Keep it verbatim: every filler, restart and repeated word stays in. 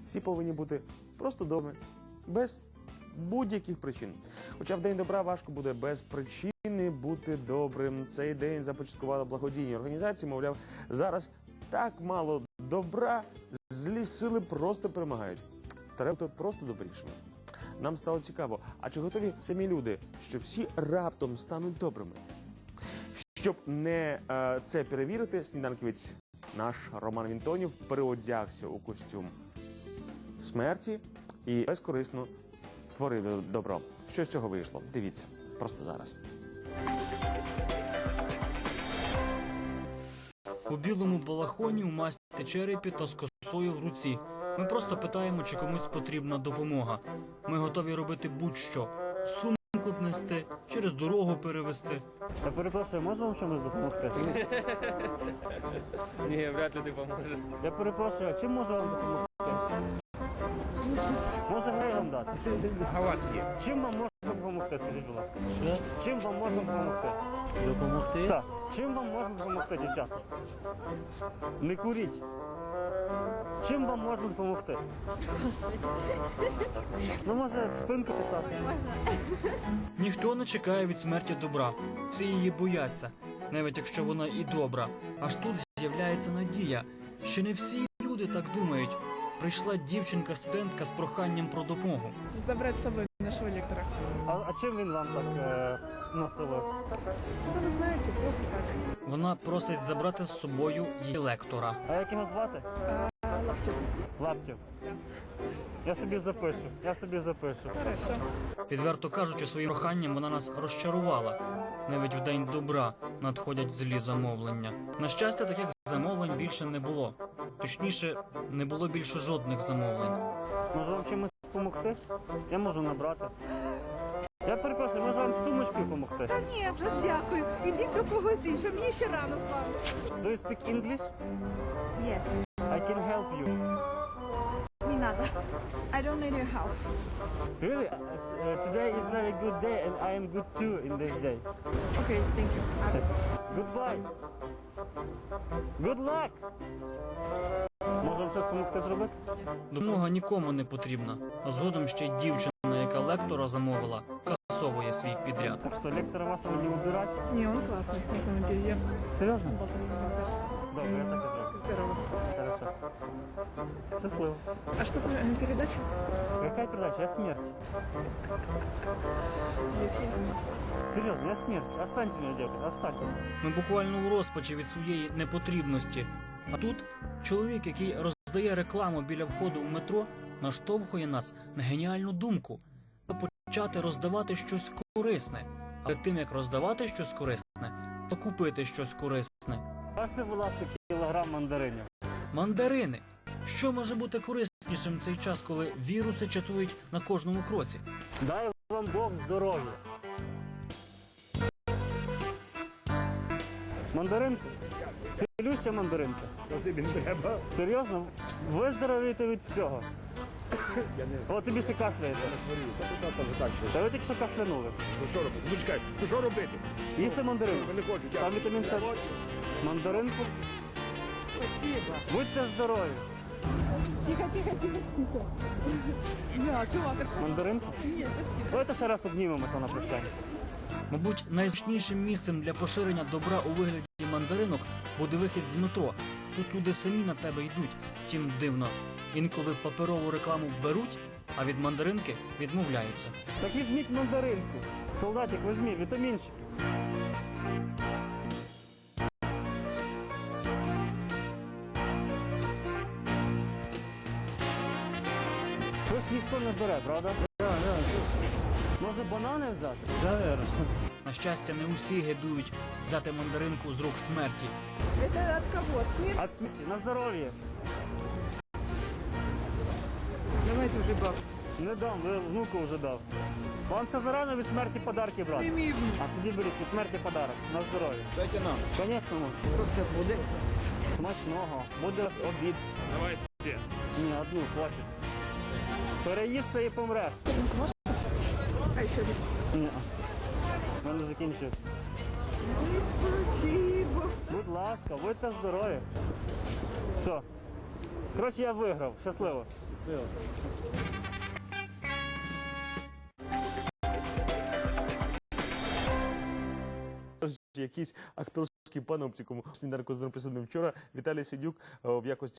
всі повинні бути просто добрими, без будь-яких причин. Хоча в День добра важко буде без причини бути добрим. Цей день започаткували благодійні організації, мовляв, зараз так мало добра, злі сили просто перемагають. Треба бути просто добрішими. Нам стало цікаво, а чи готові самі люди, що всі раптом стануть добрими? Щоб не е, це перевірити, сніданківець наш Роман Вінтонів переодягся у костюм смерті і безкорисно творив добро. Що з цього вийшло? Дивіться, просто зараз. У білому балахоні, у масці черепі та з косою в руці. Ми просто питаємо, чи комусь потрібна допомога. Ми готові робити будь-що. Сумку б нести, через дорогу перевезти. Я перепрошую, можу вам чимось допомогти? Ні, вряд ли ти поможеш. Я перепрошую, а чим можу вам допомогти? Може грей вам дати? А у вас є? Чим вам можна допомогти, скажіть, будь ласка? Що? Чим вам можна допомогти? Допомогти? Так. Чим вам можна допомогти, дівчата? Не куріть. Чим вам можна допомогти? Ну, може, спинку чесати? Ніхто не чекає від смерті добра. Всі її бояться, навіть якщо вона і добра. Аж тут з'являється надія. Ще не всі люди так думають. Прийшла дівчинка-студентка з проханням про допомогу. Забрать с собой нашего лектора. А, а чим він вам так е, насилив? Да вы знаете, просто так. Вона просить забрати з собою її лектора. А як його звати? А, Лаптев. Лаптів. Я собі запишу, я собі запишу. Хорошо. Відверто кажучи, своїм проханням вона нас розчарувала. Навіть в день добра надходять злі замовлення. На щастя, таких замовлень більше не було. Точніше, не було більше жодних замовлень. Може вам чимось допомогти? Я можу набрати. Я перепрошую, може вам сумочкою допомогти? Та ні, вже дякую. Ідіть до когось іншого, мені ще рано з вами. Do you speak English? Yes, I can help you. не надо. I don't need your help. Really? Uh, today is very good day and I am good too in this day. Okay, thank you. Goodbye. Good luck. Може вам щось допомогти зробити? Допомога нікому не потрібна. А згодом ще й дівчина, яка лектора замовила, касовує свій підряд. Так що лектора вашого не убирати? Не, он классный, на самом деле. Я Серйозно? Болта сказал, да. Добре, я так і зроблю. Здорово. Хорошо. Щасливо. А что за э, передача? Яка передача? Я смерть. Здесь я. Серйозно, я смерть. Останьте мене, дівчата, останьте мене. Ми буквально у розпачі від своєї непотрібності. А тут чоловік, який роздає рекламу біля входу в метро, наштовхує нас на геніальну думку – почати роздавати щось корисне. А перед тим, як роздавати щось корисне, то купити щось корисне. Бачите, будь ласка, кілограм мандаринів. Мандарини. Що може бути кориснішим в цей час, коли віруси чатують на кожному кроці? Дай вам Бог здоров'я. Мандаринка? Цілюща мандаринка. Спасибі, не треба. Серйозно? Виздоровієте від всього. О, тобі ще кашляєте. Так, що? Та ви тільки що кашлянули. Ну що робити? Ну чекай, ну що робити? Їсти мандаринку? Я не хочу, Там дякую. вітамін С. Мандаринку? Спасибо. Будьте здорові. Тихо, тихо, тихо, тихо. Да, чувак, это... Мандаринку? Нет, спасибо. Давайте ще раз обнімемося на прощання. Мабуть, найзручнішим місцем для поширення добра у вигляді мандаринок буде вихід з метро. Тут люди самі на тебе йдуть. Втім, дивно. Інколи паперову рекламу беруть, а від мандаринки відмовляються. Так візьміть мандаринку. Солдатик, візьміть, вітамінчики. Щось ніхто не бере, правда? Може банани взяти? Наверно. На щастя, не усі гидують взяти мандаринку з рук смерті. Это от кого? От смерти? От смерті, на здоров'я. Давайте уже бабки. Не дам, ви внуку вже дав. Вам це зарано від смерті подарки брати. Прими внук. А тоді беріть від смерті подарок. На здоров'я. Дайте нам. Звісно, Що це буде? смачного. Буде обід. Давай всі. Ні, одну, хватить. Переїшся і помреш. А еще один. Ні. В мене закінчив. Спасибо. Будь ласка, будьте здорові. Все. Коротше, я виграв. Щасливо. Щасливо. Якийсь акторський паноптикум. Сніданку з ним присутним вчора Віталій Сидюк е, в якості